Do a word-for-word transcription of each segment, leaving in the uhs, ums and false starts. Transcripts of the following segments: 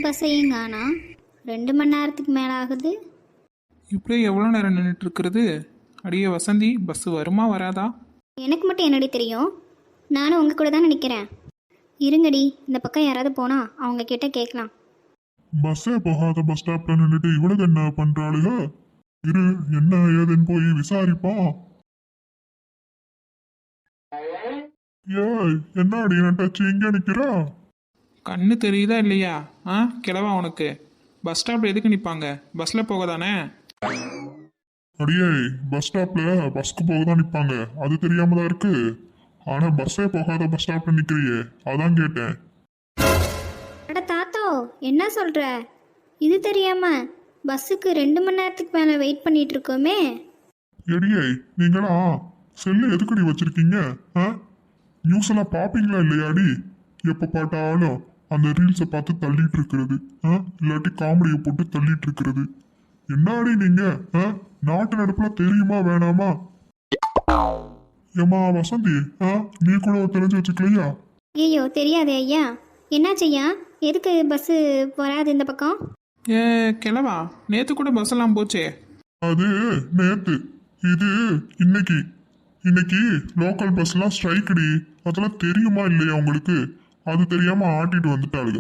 பஸ்ஸையும் காணா. ரெண்டு மணி நேரத்துக்கு மேலே ஆகுது. இப்படியே எவ்வளோ நேரம் நின்றுட்டு இருக்கிறது? அடியே வசந்தி, பஸ் வருமா வராதா? எனக்கு மட்டும் என்னடி தெரியும்? நானும் உங்கள் கூட தான் நிற்கிறேன். இருங்கடி, இந்த பக்கம் யாராவது போனால் அவங்க கிட்ட கேட்கலாம். பஸ்ஸே போகாத பஸ் ஸ்டாப்ல நின்றுட்டு இவளுக்கு என்ன பண்றாளுக? இரு, என்ன ஏதுன்னு போய் விசாரிப்போம். ஏய், என்னடி நட்டாச்சு இங்க நிக்கிறா? கண்ணு தெரியுதா இல்லையா? ஆ கிளவா உனக்கு? பஸ் ஸ்டாப்பில் எதுக்கு நிற்பாங்க? பஸ்ஸில் போக தானே. அடியே, பஸ் ஸ்டாப்ல பஸ்க்கு போக தான் நிப்பாங்க, அது தெரியாம தான் இருக்கு. ஆனா பஸ்ஸே போகாத பஸ் ஸ்டாப்ல நிக்கிறியே, அதான் கேட்டேன். அட தாத்தோ, என்ன சொல்கிற? இது தெரியாம பஸ்ஸுக்கு ரெண்டு மணி நேரத்துக்கு மேலே வெயிட் பண்ணிட்டு இருக்கோமே. எடியே, நீங்களா செல்லு எதுக்கடி வச்சிருக்கீங்க? ஆ, நியூஸ் எல்லாம் பாப்பீங்களா இல்லையாடி? எப்ப பார்த்தாலும் அந்த ரீல்ஸை பார்த்து தள்ளிட்டு இருக்கிறது, ஆ, இல்லாட்டி காமெடியை போட்டு தள்ளிட்டு இருக்கிறது. என்னாடி நீங்க? ஆ, நாட்டு நடப்புல தெரியுமா வேணாமா? ஏமா வசந்தி, ஆ, நீ கூட தெரிஞ்சு வச்சுக்கலையா? ஐயோ, தெரியாதே ஐயா. என்னாச்சையா? எதுக்கு பஸ்ஸு வராது இந்த பக்கம்? ஏ கிளவா, நேற்று கூட பஸ் எல்லாம் போச்சே. அது நேத்து, இது இன்னைக்கு. இன்னைக்கு லோக்கல் பஸ்லாம் ஸ்ட்ரைக்குடி, அதெல்லாம் தெரியுமா இல்லையா உங்களுக்கு? அது தெரியாம ஆட்டிட்டு வந்துட்டாளுங்க.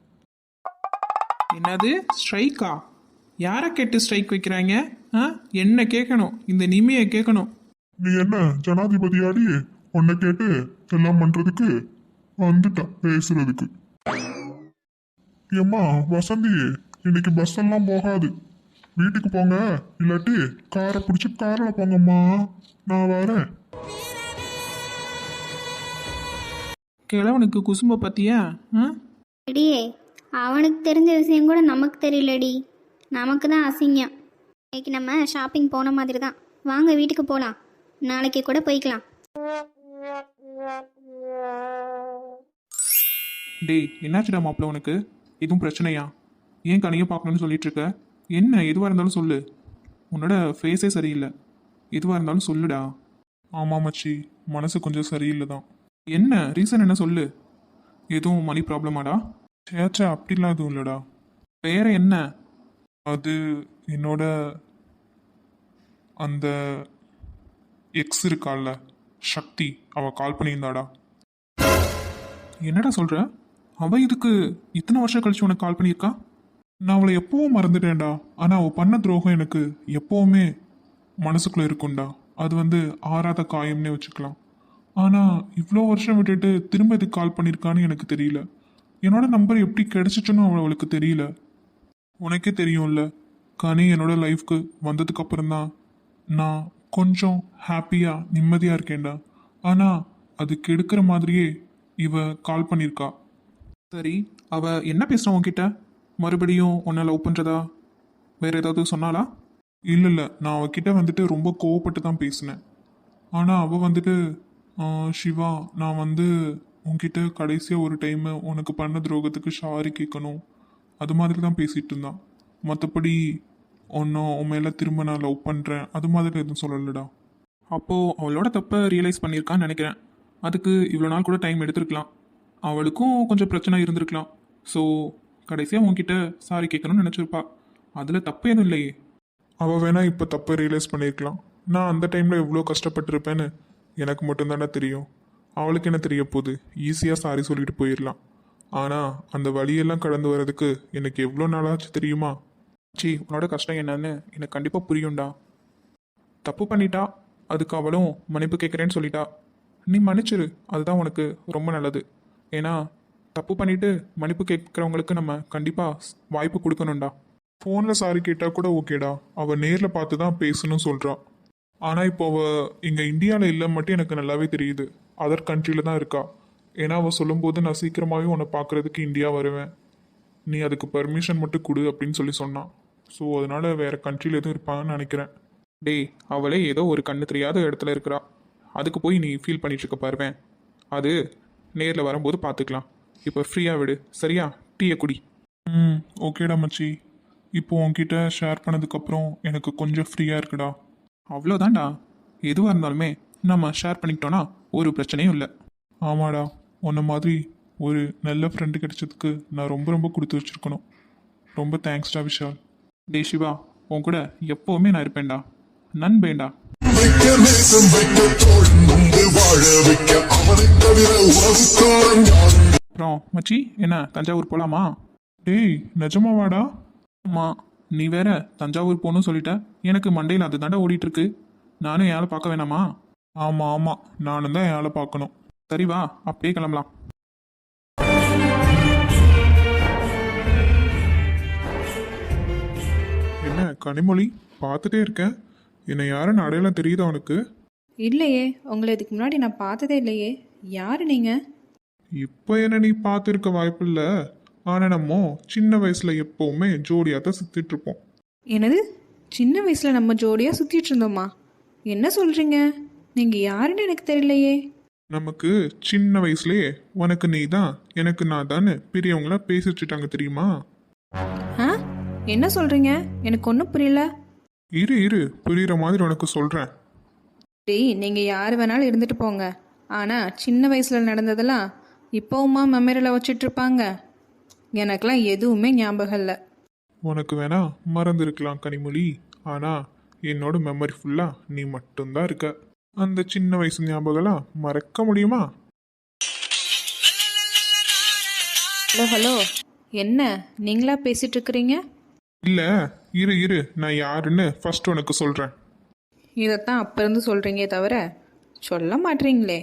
என்னது ஸ்ட்ரைக்கா? யாரை கேட்டு ஸ்ட்ரைக் வைக்கிறாங்க? ஆ என்ன கேட்கணும்? இந்த நிமியை கேட்கணும். நீ என்ன ஜனாதிபதியாடி? உன்னை கேட்டு எல்லாம் பண்றதுக்கு வந்துட்டா பேசுறதுக்கு. ஏம்மா வசந்தி, இன்னைக்கு பஸ் எல்லாம் போகாது, வீட்டுக்கு போங்க, இல்லாட்டி காரை பிடிச்சி காரில் போங்கம்மா, நான் வரேன். கிழவனுக்கு குசும்ப பத்தியா? ஆ அடியே, அவனுக்கு தெரிஞ்ச விஷயம் கூட நமக்கு தெரியலடி. நமக்கு தான் அசிங்கம். இன்னைக்கு நம்ம ஷாப்பிங் போன மாதிரி தான். வாங்க வீட்டுக்கு போகலாம். நாளைக்கு கூட போய்க்கலாம். டேய், என்னாச்சுடா மாப்பிள்ள உனக்கு? எதுவும் பிரச்சனையா? ஏன் கனியை பார்க்கணும்னு சொல்லிட்டு இருக்க? என்ன எதுவாக இருந்தாலும் சொல்லு. உன்னோட ஃபேஸே சரியில்லை. எதுவாக இருந்தாலும் சொல்லுடா. ஆமாம் மச்சி, மனசு கொஞ்சம் சரியில்லை தான். என்ன ரீசன் என்ன சொல்லு? எதுவும் மணி ப்ராப்ளமாடா? சேச்சா, அப்படிலாம் எதுவும் இல்லைடா. வேற என்ன? அது என்னோட அந்த எக்ஸ் இருக்கால சக்தி, அவ கால் பண்ணியிருந்தாடா. என்னடா சொல்ற? அவ இதுக்கு இத்தனை வருஷம் கழிச்சு உனக்கு கால் பண்ணியிருக்கா? நான் அவளை எப்பவும் மறந்துட்டேன்டா. ஆனால் அவள் பண்ண துரோகம் எனக்கு எப்போவுமே மனசுக்குள்ளே இருக்கும்டா. அது வந்து ஆறாத காயம்னே வச்சுக்கலாம். ஆனால் இவ்வளோ வருஷம் விட்டுட்டு திரும்ப இதுக்கு கால் பண்ணியிருக்கான்னு எனக்கு தெரியல. என்னோட நம்பர் எப்படி கிடைச்சிச்சுன்னு அவள் அவளுக்கு தெரியல. உனக்கே தெரியும்ல, கனி என்னோட லைஃப்க்கு வந்ததுக்கு அப்புறம்தான் நான் கொஞ்சம் ஹாப்பியாக நிம்மதியாக இருக்கேன்டா. ஆனால் அது கெடுக்கிற மாதிரியே இவ கால் பண்ணியிருக்கா. சரி, அவ என்ன பேசுறா உன்கிட்ட? மறுபடியும் உன்னை லவ் பண்ணுறதா வேற ஏதாவது சொன்னாலா? இல்லை இல்லை, நான் அவகிட்ட வந்துட்டு ரொம்ப கோவப்பட்டு தான் பேசினேன். ஆனால் அவள் வந்துட்டு "ஆ, சிவா, நான் வந்து உன்கிட்ட கடைசியாக ஒரு டைமு உனக்கு பண்ண துரோகத்துக்கு சாரி கேட்கணும்", அது மாதிரி தான் பேசிகிட்டு இருந்தான். மற்றபடி ஒன்றும் உன் மேலே திரும்ப நான் லவ் பண்ணுறேன் அது மாதிரி எதுவும் சொல்லலடா. அப்போது அவளோட தப்பை ரியலைஸ் பண்ணியிருக்கான்னு நினைக்கிறேன். அதுக்கு இவ்வளோ நாள் கூட டைம் எடுத்திருக்கலாம். அவளுக்கும் கொஞ்சம் பிரச்சனை இருந்திருக்கலாம். ஸோ கடைசியாக உன்கிட்ட சாரி கேட்கணும்னு நினச்சிருப்பா. அதில் தப்பு எதுவும் இல்லையே. அவள் வேணா இப்போ தப்பை ரியலைஸ் பண்ணியிருக்கலாம். நான் அந்த டைமில் எவ்வளோ கஷ்டப்பட்டிருப்பேன்னு எனக்கு மட்டும்தானே தெரியும். அவளுக்கு என்ன தெரிய போகுது? ஈஸியாக சாரி சொல்லிட்டு போயிடலாம். ஆனால் அந்த வழியெல்லாம் கடந்து வர்றதுக்கு எனக்கு எவ்வளோ நாளாச்சு தெரியுமா? சி, உன்னோட கஷ்டம் என்னன்னு எனக்கு கண்டிப்பாக புரியும்டா. தப்பு பண்ணிட்டா, அதுக்கு அவளும் மன்னிப்பு கேட்குறேன்னு சொல்லிட்டா. நீ மன்னிச்சிரு, அதுதான் உனக்கு ரொம்ப நல்லது. ஏன்னா தப்பு பண்ணிட்டு மன்னிப்பு கேட்குறவங்களுக்கு நம்ம கண்டிப்பாக வாய்ப்பு கொடுக்கணும்டா. ஃபோனில் சாரி கேட்டால் கூட ஓகேடா, அவள் நேரில் பார்த்து தான் பேசணும்னு சொல்கிறா. ஆனால் இப்போ அவள் இங்கே இந்தியாவில் இல்லை மட்டும் எனக்கு நல்லாவே தெரியுது. அதர் கண்ட்ரியில் தான் இருக்கா. ஏன்னா அவள் சொல்லும்போது நான் சீக்கிரமாகவே உன்னை பார்க்குறதுக்கு இந்தியா வருவேன், நீ அதுக்கு பர்மிஷன் மட்டும் கொடு அப்படின்னு சொல்லி சொன்னான். ஸோ அதனால் வேறு கண்ட்ரியில் எதுவும் இருப்பான்னு நினைக்கிறேன். டேய், அவளே ஏதோ ஒரு கண்ணு தெரியாத இடத்துல இருக்கிறா. அதுக்கு போய் நீ ஃபீல் பண்ணிட்டு இருக்க பாருவேன். அது நேரில் வரும்போது பார்த்துக்கலாம். இப்போ ஃப்ரீயாக விடு, சரியா? டீயை குடி. ம், ஓகேடா மச்சி. இப்போ உன்கிட்ட ஷேர் பண்ணதுக்கப்புறம் எனக்கு கொஞ்சம் ஃப்ரீயாக இருக்குடா. அவ்வளோதான்டா. எதுவாக இருந்தாலுமே நம்ம ஷேர் பண்ணிக்கிட்டோன்னா ஒரு பிரச்சனையும் இல்லை. ஆமாடா, உன்ன மாதிரி ஒரு நல்ல ஃப்ரெண்டு கிடைச்சதுக்கு நான் ரொம்ப ரொம்ப கொடுத்து வச்சிருக்கணும். ரொம்ப தேங்க்ஸ்டா விஷால். டே சிவா, உன் கூட எப்போவுமே நான் இருப்பேன்டா, நண்பேண்டா. வைக்க நேசம் வைக்க தோள் நொந்து வாழ வைக்க அவனை தவிர உறவுக்காரன் யாரும் அப்புறம் மச்சி, என்ன தஞ்சாவூர் போகலாமா? டேய் நிஜமாவாடா? ஆமாம், நீ வேற தஞ்சாவூர் போகணும்னு சொல்லிட்ட. எனக்கு மண்டையில் அது தாண்டா ஓடிட்டுருக்கு. நானும் ஏழை பார்க்க வேணாமா? ஆமாம் ஆமாம், நானும் தான் ஏழை பார்க்கணும். சரி வா, அப்படியே கிளம்பலாம். என்ன கனிமொழி, பார்த்துட்டே இருக்கேன். என்னை யாருன்னு அடையாளம் தெரியுதா உனக்கு? இல்லையே, உங்களை இதுக்கு முன்னாடி நான் பார்த்ததே இல்லையே. யார் நீங்கள்? இப்போ என்ன நீ பார்த்துருக்க வாய்ப்பில்லை. ஆனால் நம்ம சின்ன வயசில் எப்போவுமே ஜோடியாக தான் சுற்றிட்டு இருப்போம். என்னது, சின்ன வயசில் நம்ம ஜோடியாக சுற்றிட்டு இருந்தோமா? என்ன சொல்கிறீங்க? நீங்கள் யாருன்னு எனக்கு தெரியலையே. நமக்கு சின்ன வயசுலயே உனக்கு நீ தான் எனக்கு நான் தான் பெரியவங்கள பேசி வச்சுட்டாங்க தெரியுமா? ஆ, என்ன சொல்கிறீங்க? எனக்கு ஒன்றும் புரியல. இரு இரு புரியுற மாதிரி உனக்கு சொல்கிறேன். டேய், நீங்கள் யார் வேணாலும் இருந்துட்டு போங்க. ஆனால் சின்ன வயசில் நடந்ததெல்லாம் இப்போவுமா மெமரியில் வச்சிட்ருப்பாங்க? எனக்கெல்லாம் எதுவுமே ஞாபகம் இல்லை. உனக்கு வேணா மறந்துருக்கலாம் கனிமொழி, ஆனால் என்னோட மெமரி ஃபுல்லாக நீ மட்டும்தான் இருக்க. அந்த சின்ன வயசு ஞாபகம்லாம் மறக்க முடியுமா? ஹலோ ஹலோ, என்ன நீங்களா பேசிட்டு இருக்கிறீங்க? இல்லை இரு இரு, நான் யாருன்னு ஃபர்ஸ்ட் உனக்கு சொல்கிறேன். இதைத்தான் அப்போ இருந்து சொல்கிறீங்க தவிர சொல்ல மாட்டீங்களே.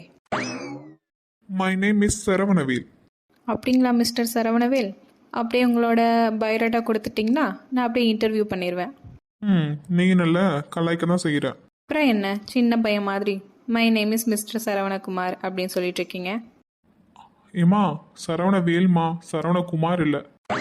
My name is Saravanavel. அப்படிங்களா மிஸ்டர் சரவணவேல்? அப்படியே உங்களோட பயோடேட்டா கொடுத்துட்டிங்கன்னா நான் அப்படியே இன்டர்வியூ பண்ணிடுவேன். ம் நீ நல்லா கலாய்க்க தான் செய்கிற. அப்புறம் என்ன, சின்ன பையன் மாதிரி my name is mister Saravanakumar அப்படின்னு சொல்லிட்டு இருக்கீங்க. ஏமா சரவணவேல்மா, சரவணகுமார் இல்லை.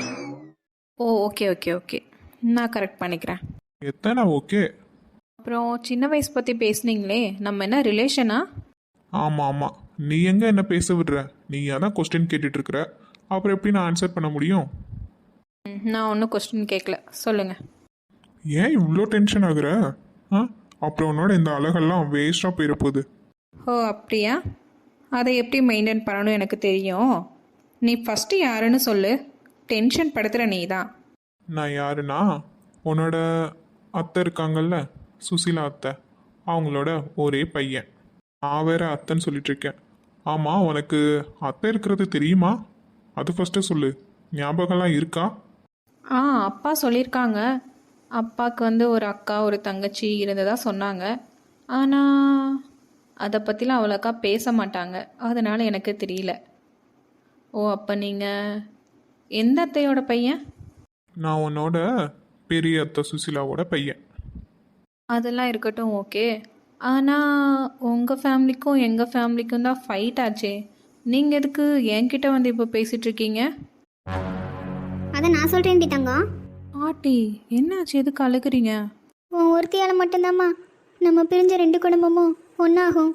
ஓ ஓகே ஓகே ஓகே, நான் கரெக்ட் பண்ணிக்கிறேன். எத்தனை ஓகே. அப்புறம் சின்ன வயசு பற்றி பேசுனீங்களே, நம்ம என்ன ரிலேஷனா? ஆமாம் ஆமாம், நீ எங்கே என்ன பேச விடுற? நீ அதான் கொஸ்டின் கேட்டுட்டு இருக்கிற, அப்புறம் எப்படி நான் ஆன்சர் பண்ண முடியும்? ம், நான் ஒன்றும் கொஸ்டின் கேட்கல, சொல்லுங்கள். ஏன் இவ்வளோ டென்ஷன் ஆகுற? ஆ அப்புறம் உன்னோட இந்த அழகெல்லாம் வேஸ்ட்டாக போயிட போகுது. ஓ அப்படியா? அதை எப்படி மெயின்டைன் பண்ணணும் எனக்கு தெரியும். நீ ஃபஸ்ட்டு யாருன்னு சொல்லு. டென்ஷன் படுத்துகிற நீ தான். நான் யாருன்னா உன்னோட அத்தை இருக்காங்கல்ல, சுசீலா அத்தை, அவங்களோட ஒரே பையன். நான் வேற அத்தைன்னு சொல்லிட்டு இருக்கேன். ஆமாம், உனக்கு அத்தை இருக்கிறது தெரியுமா? அது ஃபஸ்ட்டு சொல்லு. ஞாபகம்லாம் இருக்கா? ஆ, அப்பா சொல்லியிருக்காங்க. அப்பாவுக்கு வந்து ஒரு அக்கா ஒரு தங்கச்சி இருந்ததா சொன்னாங்க. ஆனால் அதை பற்றிலாம் அவ்வளோக்கா பேச மாட்டாங்க, அதனால் எனக்கு தெரியல. ஓ, அப்போ நீங்கள் எந்த அத்தையோட பையன்? நான் உன்னோட பெரிய அத்தை சுசீலாவோட பையன். அதெல்லாம் இருக்கட்டும், ஓகே. ஆனால் உங்கள் ஃபேமிலிக்கும் எங்கள் ஃபேமிலிக்கும் தான் ஃபைட் ஆச்சே. நீங்கள் எதுக்கு என்கிட்ட வந்து இப்போ பேசிகிட்டு இருக்கீங்க? அதை நான் சொல்கிறேன்டி தங்கம். ஆட்டி, என்னாச்சு, எதுக்கு அழுகுறீங்க? உன் ஒருத்தியால் மட்டும்தாம்மா நம்ம பிரிஞ்ச ரெண்டு குடும்பமும் ஒன்றாகும்.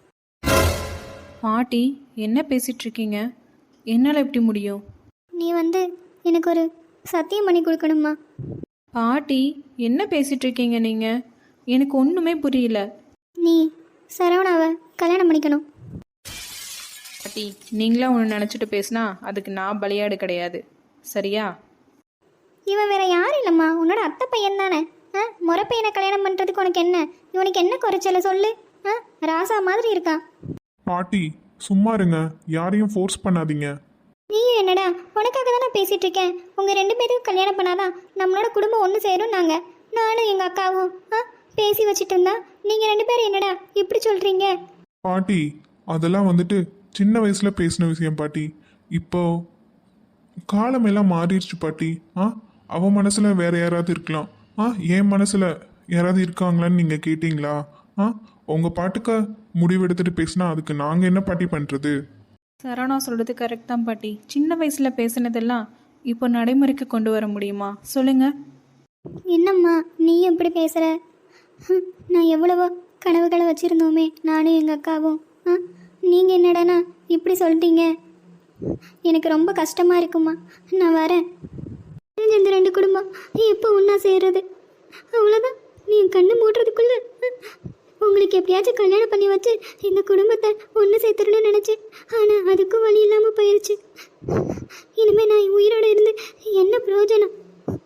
பாட்டி, என்ன பேசிகிட்டு இருக்கீங்க? என்னால் எப்படி முடியும்? நீ வந்து எனக்கு ஒரு சத்தியம் பண்ணி கொடுக்கணுமா? பாட்டி, என்ன பேசிகிட்டு இருக்கீங்க நீங்கள்? எனக்கு ஒன்றுமே புரியல. நீ சரவணாவை கல்யாணம் பண்ணிக்கணும். பாட்டி, நீங்களா ஒன்று நினச்சிட்டு பேசுனா அதுக்கு நான் பலியாடு கிடையாது, சரியா? இவன் வேற யாரும் இல்லைம்மா, உன்னோட அத்தை பையன் தானே. ஆ முறை பையனை கல்யாணம் பண்ணுறதுக்கு உனக்கு என்ன? இவனுக்கு என்ன குறைச்சல சொல்லு? ஆ ராசா மாதிரி இருக்கான். பாட்டி சும்மா இருங்க, யாரையும் ஃபோர்ஸ் பண்ணாதீங்க. நீயும் என்னடா, உனக்காக தானே பேசிகிட்டு இருக்கேன். உங்கள் ரெண்டு பேருக்கும் கல்யாணம் பண்ணாதான் நம்மளோட குடும்பம் ஒன்று சேரும். நாங்கள் நானும் எங்கள் அக்காவும் ஆ பேசி வச்சுட்டு இருந்தா நீங்கள் ரெண்டு பேரும் என்னடா இப்படி சொல்கிறீங்க? பாட்டி அதெல்லாம் வந்துட்டு சின்ன வயசில் பேசின விஷயம் பாட்டி. இப்போ காலமெல்லாம் மாறிடுச்சு பாட்டி. ஆ அவன் மனசில் வேற யாராவது இருக்கலாம். ஆ என் மனசில் யாராவது இருக்காங்களான்னு நீங்கள் கேட்டிங்களா? ஆ உங்கள் பாட்டுக்கு முடிவெடுத்துட்டு பேசினா அதுக்கு நாங்கள் என்ன பாட்டி பண்ணுறது? சரவணா சொல்கிறது கரெக்ட் தான் பாட்டி. சின்ன வயசில் பேசினதெல்லாம் இப்போ நடைமுறைக்கு கொண்டு வர முடியுமா சொல்லுங்கள்? என்னம்மா நீ எப்படி பேசுகிற? நான் எவ்வளவோ கனவுகளை வச்சுருந்தோமே நானும் எங்கள் அக்காவும். ஆ நீங்கள் என்னடானா இப்படி சொல்லிட்டீங்க. எனக்கு ரொம்ப கஷ்டமாக இருக்குமா. நான் வரேன். இந்த ரெண்டு குடும்பம் எப்போ ஒன்றா சேர்றது? அவ்வளோதான். நீ கண்ணு மூடுறதுக்குள்ள உங்களுக்கு அவனுக்கு எப்படியாச்சும் கல்யாணம் பண்ணி வச்சு இந்த குடும்பத்தை ஒன்று சேர்த்துடணும்னு நினச்சேன். ஆனால் அதுக்கும் வழி இல்லாமல் போயிடுச்சு. இனிமேல் நான் உயிரோடு இருந்து என்ன பிரயோஜனம்?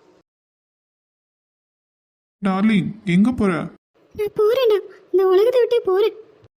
டார்லிங், எங்க போற? நான் போகிறேன்டா, இந்த உலகத்தை விட்டே போகிறேன்.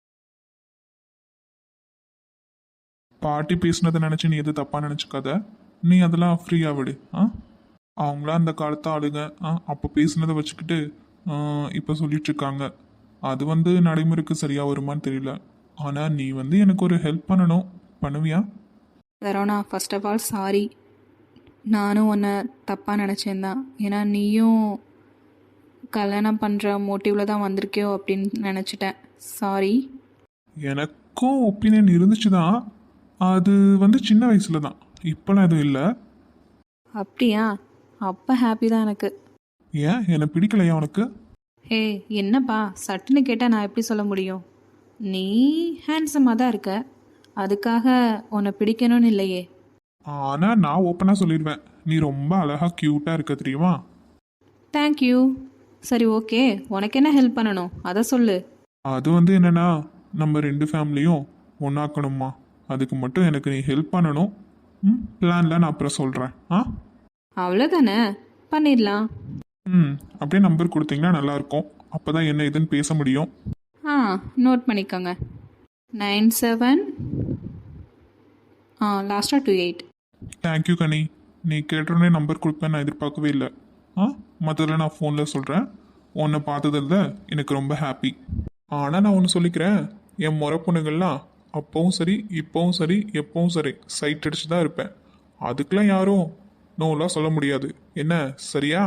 பாட்டி பேசுனதை நினச்சி நீ எது தப்பாக நினச்சிக்காத. நீ அதெல்லாம் ஃப்ரீயாக விடு. ஆ அவங்களாம் அந்த காலத்து ஆளுங்க. ஆ அப்போ பேசுனதை வச்சுக்கிட்டு இப்போ சொல்லிட்டு இருக்காங்க. அது வந்து நடைமுறைக்கு சரியாக வருமான்னு தெரியல. ஆனால் நீ வந்து எனக்கு ஒரு ஹெல்ப் பண்ணணும். பண்ணுவியா? Saravana, first of all sorry. நானும் உன்னை தப்பாக நினச்சேன் தான். ஏன்னா நீயும் கல்யாணம் பண்ணுற மோட்டிவில் தான் வந்திருக்கியோ அப்படின்னு நினச்சிட்டேன். சாரி. எனக்கும் ஒப்பீனியன் இருந்துச்சு தான். அது வந்து சின்ன வயசில் தான், இப்போலாம் எதுவும் இல்லை. அப்படியா? அப்போ ஹாப்பி தான் எனக்கு. ஏன் என்னை பிடிக்கலையா உனக்கு? ஹே, என்னப்பா சட்டுன்னு கேட்டால் நான் எப்படி சொல்ல முடியும்? நீ ஹேண்ட்ஸமாக தான் இருக்க, அதுக்காக உன்னை பிடிக்கணும்னு இல்லையே. ஆனால் நான் ஓப்பனாக சொல்லிடுவேன், நீ ரொம்ப அழகாக க்யூட்டாக இருக்க தெரியுமா? தேங்க்யூ. சரி, ஓகே, உனக்கு என்ன ஹெல்ப் பண்ணணும் அதை சொல்லு. அது வந்து என்னென்னா, நம்ம ரெண்டு ஃபேமிலியும் ஒன்றாக்கணுமா. அதுக்கு மட்டும் எனக்கு நீ ஹெல்ப் பண்ணணும். ம் பிளானில் நான் அப்புறம் சொல்கிறேன். ஆ அவ்வளோதானே, பண்ணிடலாம். ம் அப்படியே நம்பர் கொடுத்தீங்கன்னா நல்லாயிருக்கும். அப்போ தான் என்ன இதுன்னு பேச முடியும். ஆ, நோட் பண்ணிக்கோங்க. நைன் செவன் ஆ லாஸ்ட்டாக டூ எயிட். தேங்க்யூ கனி. நீ கேட்டோடனே நம்பர் கொடுப்பேன் நான் எதிர்பார்க்கவே இல்லை. ஆ மற்றதில் நான் ஃபோனில் சொல்கிறேன். உன்னை பார்த்ததில்ல எனக்கு ரொம்ப ஹாப்பி. ஆனால் நான் ஒன்று சொல்லிக்கிறேன், என் முறை பொண்ணுங்கள்லாம் அப்பவும் சரி இப்போவும் சரி எப்பவும் சரி சைட் அடிச்சு தான் இருப்பேன். அதுக்கெலாம் யாரும் நோலாம் சொல்ல முடியாது. என்ன சரியா?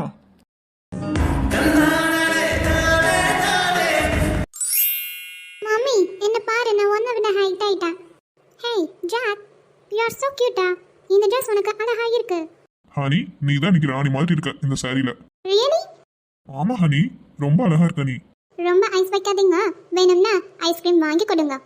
மம்மி, என்ன பாரு, நான் ஒன்றை விட ஹைட் ஆயிட்டேன். Hey Jack, you are so கியூட்டா. இந்த ட்ரெஸ் உனக்கு அழகா இருக்கு. ஹனி, நீ தான் இன்னைக்கு ராணி மாதிரி இருக்க இந்த சாரியில. ரியலி? ஆமா ஹனி, ரொம்ப அழகா இருக்க நீ. ரொம்ப ஐஸ் வைக்காதீங்க, வேணும்னா ஐஸ்கிரீம் வாங்கி கொடுங்க.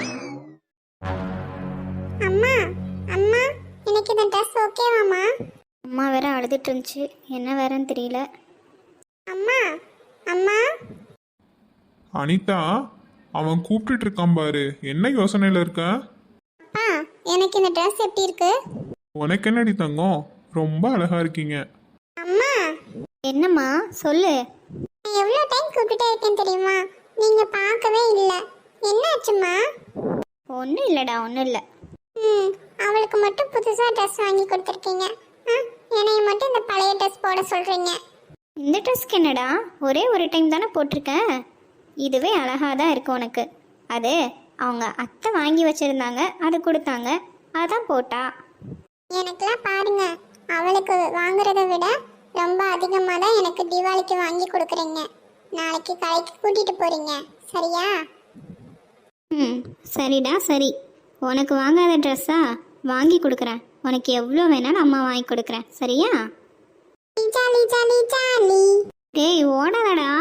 அம்மா அம்மா, எனக்கு இந்த ட்ரெஸ் ஓகேவாம்மா? அம்மா வேற அழுதுட்டு இருந்துச்சு, என்ன வேறன்னு தெரியல. அம்மா அம்மா. அனிதா, அவன் கூப்பிட்டுட்டு இருக்கான் பாரு, என்ன யோசனையில இருக்க? அப்பா, எனக்கு இந்த ட்ரெஸ் எப்படி இருக்கு? உனக்கு என்னடி தங்கம், ரொம்ப அழகா இருக்கீங்க. அம்மா. என்னம்மா சொல்லு. நான் எவ்வளோ டைம் கூப்பிட்டுட்டே இருக்கேன் தெரியுமா, நீங்க பார்க்கவே இல்லை. என்னாச்சும்மா? ஒன்றும் இல்லைடா, ஒன்றும் இல்லை. ம் அவளுக்கு மட்டும் புதுசாக ட்ரெஸ் வாங்கி கொடுத்துருக்கீங்க, என்னைய மட்டும் இந்த பழைய ட்ரெஸ் போட சொல்கிறீங்க. இந்த ட்ரெஸ்க்கு என்னடா, ஒரே ஒரு டைம் தானே போட்டிருக்கேன். இதுவே அழகாக தான் இருக்கு உனக்கு. அது அவங்க அத்தை வாங்கி வச்சுருந்தாங்க, அது கொடுத்தாங்க, அதான் போட்டா. எனக்குலாம் பாருங்க, அவளுக்கு வாங்குறத விட ரொம்ப அதிகமாக தான் எனக்கு தீபாவளிக்கு வாங்கி கொடுக்குறீங்க. நாளைக்கு கடைக்கு கூட்டிகிட்டு போகிறீங்க, சரியா? ம் சரிடா சரி. உனக்கு வாங்காத ட்ரெஸ்ஸா வாங்கி கொடுக்குறேன். உனக்கு எவ்வளோ வேணாலும் அம்மா வாங்கி கொடுக்குறேன், சரியா? Jolly jolly jolly. டேய் ஓடாதடா.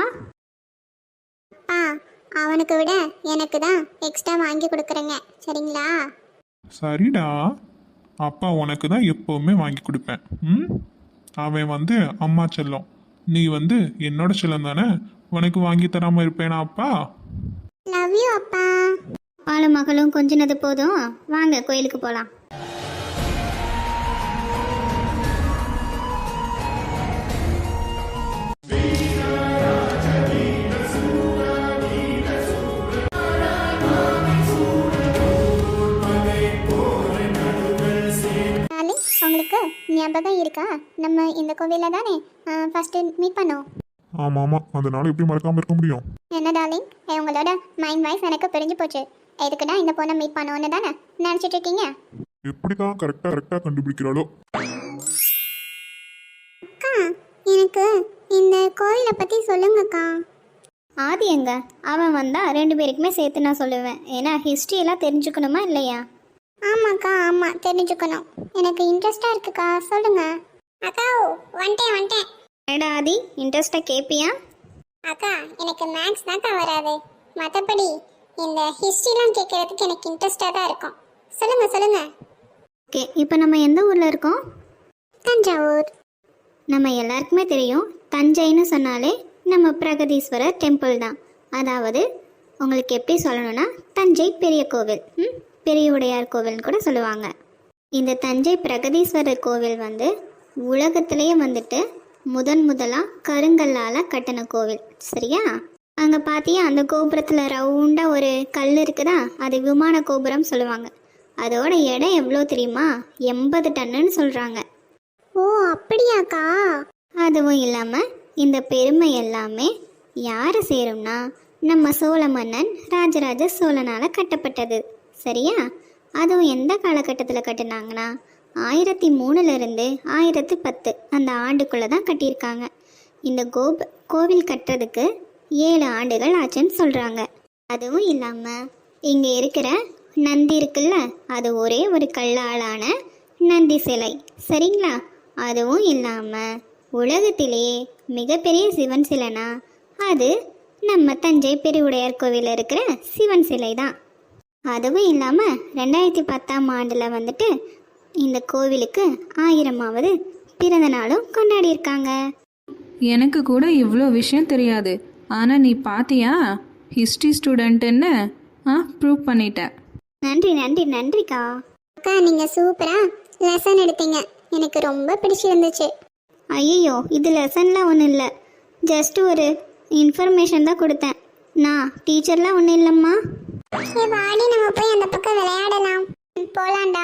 ஆ அவனுக்கு விட எனக்கு தான் எக்ஸ்ட்ரா வாங்கி கொடுக்குறேங்க, சரிங்களா? சரிடா, அப்பா உனக்கு தான் எப்பவுமே வாங்கி கொடுப்பேன். ம் அவன் வந்து அம்மா செல்லம், நீ வந்து என்னோட செல்லம் தானே, உனக்கு வாங்கி தராம இருப்பேனா அப்பா? லவ் யூ அப்பா. அப்பாலும் மகளும் கொஞ்சினது போதும், வாங்க கோயிலுக்கு போகலாம். உங்களுக்கு ஞாபகம் இருக்கா, நம்ம இந்த கோவிலில் தானே ஃபர்ஸ்ட் மீட் பண்ணோம்? ஆமா ஆமா, அதனால எப்படி மறக்காம இருக்க முடியும்? என்ன டார்லிங், உங்களோட மைண்ட் வாய்ஸ் எனக்கு பிரிஞ்சு போச்சு. எதுக்குடா இந்த பொண்ணை மீட் பண்ணோன்னு தானே நினச்சிட்டு இருக்கீங்க? எப்படிதான் கரெக்டா கரெக்டா கண்டுபிடிக்கிறாளோ. அக்கா, எனக்கு இந்த கோயிலை பற்றி சொல்லுங்கக்கா. ஆதி எங்க? அவன் வந்தா ரெண்டு பேருக்குமே சேர்த்து நான் சொல்லுவேன். ஏன்னா ஹிஸ்ட்ரியெல்லாம் தெரிஞ்சுக்கணுமா இல்லையா? ஆமாக்கா, ஆமாம் தெரிஞ்சுக்கணும். எனக்கு இன்ட்ரெஸ்டாக இருக்குக்கா, சொல்லுங்க. அக்கா வந்துட்டேன் வந்துட்டேன். ஏடா ஆதி, இன்ட்ரெஸ்டாக கேட்பியா? அக்கா எனக்கு மேக்ஸ் தான்க்கா வராது, மற்றபடி இந்த ஹிஸ்ட்ரிலாம் கேட்குறதுக்கு எனக்கு இன்ட்ரெஸ்டாக தான் இருக்கும். சொல்லுங்க சொல்லுங்க. ஓகே, இப்போ நம்ம எந்த ஊரில் இருக்கோம்? தஞ்சாவூர். நம்ம எல்லாருக்குமே தெரியும், தஞ்சைன்னு சொன்னாலே நம்ம பிரகதீஸ்வரர் டெம்பிள் தான். அதாவது உங்களுக்கு எப்படி சொல்லணும்னா தஞ்சை பெரிய கோவில், ம் பெரிய உடையார் கோவில்னு கூட சொல்லுவாங்க. இந்த தஞ்சை பிரகதீஸ்வரர் கோவில் வந்து உலகத்திலேயே வந்துட்டு முதன் முதலாக கருங்கல்லால் கட்டின கோவில். சரியா? அங்கே பார்த்தியா அந்த கோபுரத்தில் ரவுண்டாக ஒரு கல் இருக்குதா, அது விமான கோபுரம் சொல்லுவாங்க. அதோட எடை எவ்வளோ தெரியுமா? எண்பது டன்னுன்னு சொல்கிறாங்க. ஓ அப்படியாக்கா? அதுவும் இல்லாமல் இந்த பெருமை எல்லாமே யாரை சேரும்னா நம்ம சோழ மன்னன் ராஜராஜ சோழனால் கட்டப்பட்டது. சரியா? அதுவும் எந்த காலகட்டத்தில் கட்டினாங்கன்னா ஆயிரத்தி மூணுலேருந்து ஆயிரத்தி பத்து அந்த ஆண்டுக்குள்ளே தான் கட்டியிருக்காங்க. இந்த கோப கோவில் கட்டுறதுக்கு ஏழு ஆண்டுகள் ஆச்சுன்னு சொல்கிறாங்க. அதுவும் இல்லாமல் இங்கே இருக்கிற நந்தி இருக்குல்ல, அது ஒரே ஒரு கல்லாலான நந்தி சிலை. சரிங்களா? அதுவும் இல்லாமல் உலகத்திலேயே மிகப்பெரிய சிவன் சிலைனா அது நம்ம தஞ்சை பெருவுடையார் கோவிலில் இருக்கிற சிவன் சிலை தான். அதுவும் இல்லாமல் ரெண்டாயிரத்தி பத்தாம் ஆண்டில் வந்துட்டு இந்த கோவிலுக்கு ஆயிரமாவது பிறந்த நாளும் கொண்டாடியிருக்காங்க. எனக்கு கூட இவ்வளோ விஷயம் தெரியாது. ஆனால் நீ பாத்தியா, ஹிஸ்ட்ரி ஸ்டூடெண்ட்டுன்னு ஆ ப்ரூவ் பண்ணிட்ட. நன்றி நன்றி நன்றிக்கா. அக்கா நீங்கள் சூப்பராக லெசன் எடுத்தீங்க, எனக்கு ரொம்ப பிடிச்சிருந்துச்சு. ஐயோ, இது லெசன்லாம் ஒன்றும் இல்லை, ஜஸ்ட் ஒரு இன்ஃபர்மேஷன் தான் கொடுத்தேன். நான் டீச்சர்லாம் ஒன்றும் இல்லைம்மா. ஏ வாடி, நம்ம போய் அந்த பக்கம் விளையாடலாம். ம், போலாம்டா.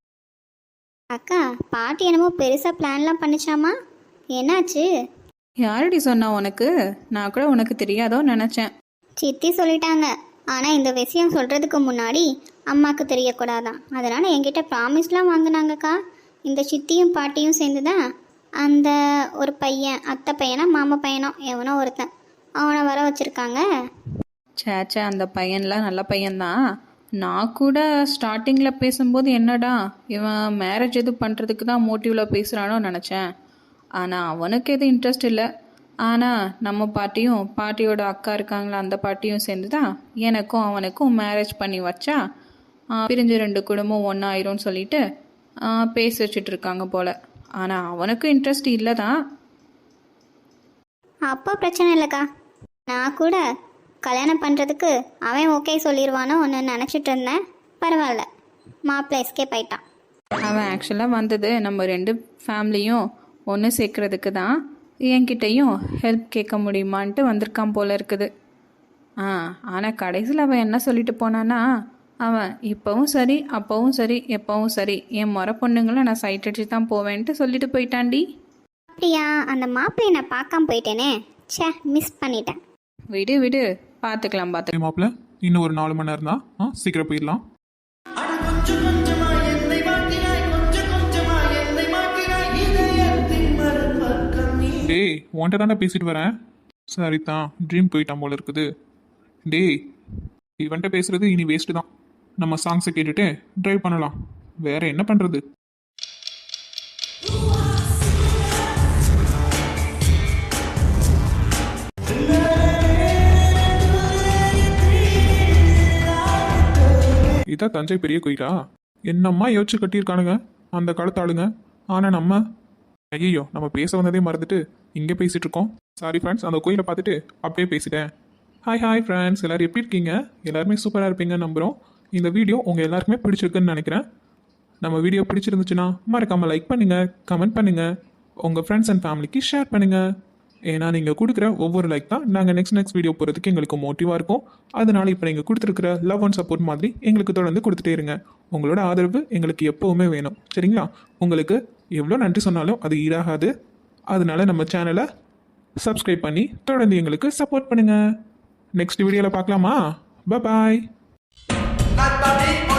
அக்கா, பாட்டி என்னமோ பெருசாக பிளான்லாம் பண்ணிச்சாமா, என்னாச்சு? யாரடி சொன்னா உனக்கு? நான் கூட உனக்கு தெரியாதோ நினச்சேன். சித்தி சொல்லிட்டாங்க. ஆனால் இந்த விஷயம் சொல்கிறதுக்கு முன்னாடி அம்மாவுக்கு தெரியக்கூடாதான், அதனால் என்கிட்ட ப்ராமிஸ்லாம் வாங்கினாங்கக்கா. இந்த சித்தியும் பாட்டியும் சேர்ந்து தான் அந்த ஒரு பையன், அத்தை பையனா மாமா பையனோ எவனோ ஒருத்தன், அவனை வர வச்சுருக்காங்க. சேச்சே, அந்த பையன்லாம் நல்ல பையன்தான். நான் கூட ஸ்டார்டிங்கில் பேசும்போது என்னடா இவன் மேரேஜ் எது பண்ணுறதுக்கு தான் மோட்டிவில் பேசுகிறானோ நினச்சேன். ஆனால் அவனுக்கு எதுவும் இன்ட்ரெஸ்ட் இல்லை. ஆனால் நம்ம பாட்டியும் பாட்டியோட அக்கா இருக்காங்களா, அந்த பாட்டியும் சேர்ந்து தான் எனக்கும் அவனுக்கும் மேரேஜ் பண்ணி வச்சா பிரிஞ்சு ரெண்டு குடும்பம் ஒன்றாயிரும்னு சொல்லிட்டு பேசி வச்சுட்டு இருக்காங்க போல். ஆனால் அவனுக்கும் இன்ட்ரெஸ்ட் இல்லை தான். அப்போ பிரச்சனை இல்லைக்கா. நான் கூட கல்யாணம் பண்ணுறதுக்கு அவன் ஓகே சொல்லிடுவானோ ஒன்று நினச்சிட்டு இருந்தேன். பரவாயில்ல, மாப்பிள்ளை எஸ்கேப் ஆயிட்டான். அவன் ஆக்சுவலாக வந்தது நம்ம ரெண்டு ஃபேமிலியும் ஒன்று சேர்க்கறதுக்கு தான். என்கிட்டையும் ஹெல்ப் கேட்க முடியுமான்ட்டு வந்திருக்கான் போல இருக்குது. ஆ ஆனால் கடைசியில் அவன் என்ன சொல்லிட்டு போனான்னா, அவன் இப்போவும் சரி அப்போவும் சரி எப்போவும் சரி என் முறை பொண்ணுங்களை நான் சைட் அடிச்சு தான் போவேன்ட்டு சொல்லிட்டு போயிட்டான்டி. அப்படியா? அந்த மாப்பிள்ளையை நான் பார்க்காம போயிட்டேனே, ச்சே, மிஸ் பண்ணிட்டேன். விடு விடு, பார்த்துக்கலாம் பார்த்துக்கலாம். மாப்பிள்ள இன்னும் ஒரு நாலு மணி நேரம் தான், ஆ சீக்கிரம் போயிடலாம். டேய், உன்கிட்ட தானே பேசிட்டு வரேன். சரி தான், ட்ரீம் போயிட்டான் போல இருக்குது. டேய், இவன்கிட்ட பேசுறது இனி வேஸ்ட்டு தான். நம்ம சாங்ஸை கேட்டுட்டு ட்ரைவ் பண்ணலாம், வேற என்ன பண்ணுறது? இதான் தஞ்சை பெரிய கோயிலா? என்னம்மா யோசிச்சு கட்டியிருக்கானுங்க அந்த காலத்து ஆளுங்க. ஆனால் நம்ம ஐயோ, நம்ம பேச வந்ததே மறந்துட்டு இங்கே பேசிட்டு இருக்கோம். சாரி ஃப்ரெண்ட்ஸ், அந்த கோயிலை பார்த்துட்டு அப்படியே பேசிட்டேன். ஹாய் ஹாய் ஃப்ரெண்ட்ஸ், எல்லோரும் எப்படி இருக்கீங்க? எல்லாருமே சூப்பராக இருப்பீங்கன்னு நம்புகிறோம். இந்த வீடியோ உங்கள் எல்லாருக்குமே பிடிச்சிருக்குன்னு நினைக்கிறேன். நம்ம வீடியோ பிடிச்சிருந்துச்சுன்னா மறக்காமல் லைக் பண்ணுங்கள், கமெண்ட் பண்ணுங்கள், உங்கள் ஃப்ரெண்ட்ஸ் அண்ட் ஃபேமிலிக்கு ஷேர் பண்ணுங்கள். ஏன்னா நீங்கள் கொடுக்குற ஒவ்வொரு லைக் தான் நாங்கள் நெக்ஸ்ட் நெக்ஸ்ட் வீடியோ போகிறதுக்கு எங்களுக்கு மோட்டிவாக இருக்கும். அதனால இப்போ நீங்கள் கொடுத்துருக்குற லவ் அண்ட் சப்போர்ட் மாதிரி எங்களுக்கு தொடர்ந்து கொடுத்துட்டே இருங்க. உங்களோட ஆதரவு எங்களுக்கு எப்போவுமே வேணும். சரிங்களா? உங்களுக்கு எவ்வளோ நன்றி சொன்னாலும் அது ஈடாகாது. அதனால நம்ம சேனலை சப்ஸ்கிரைப் பண்ணி தொடர்ந்து எங்களுக்கு சப்போர்ட் பண்ணுங்கள். நெக்ஸ்ட் வீடியோவில் பார்க்கலாமா? பாய்.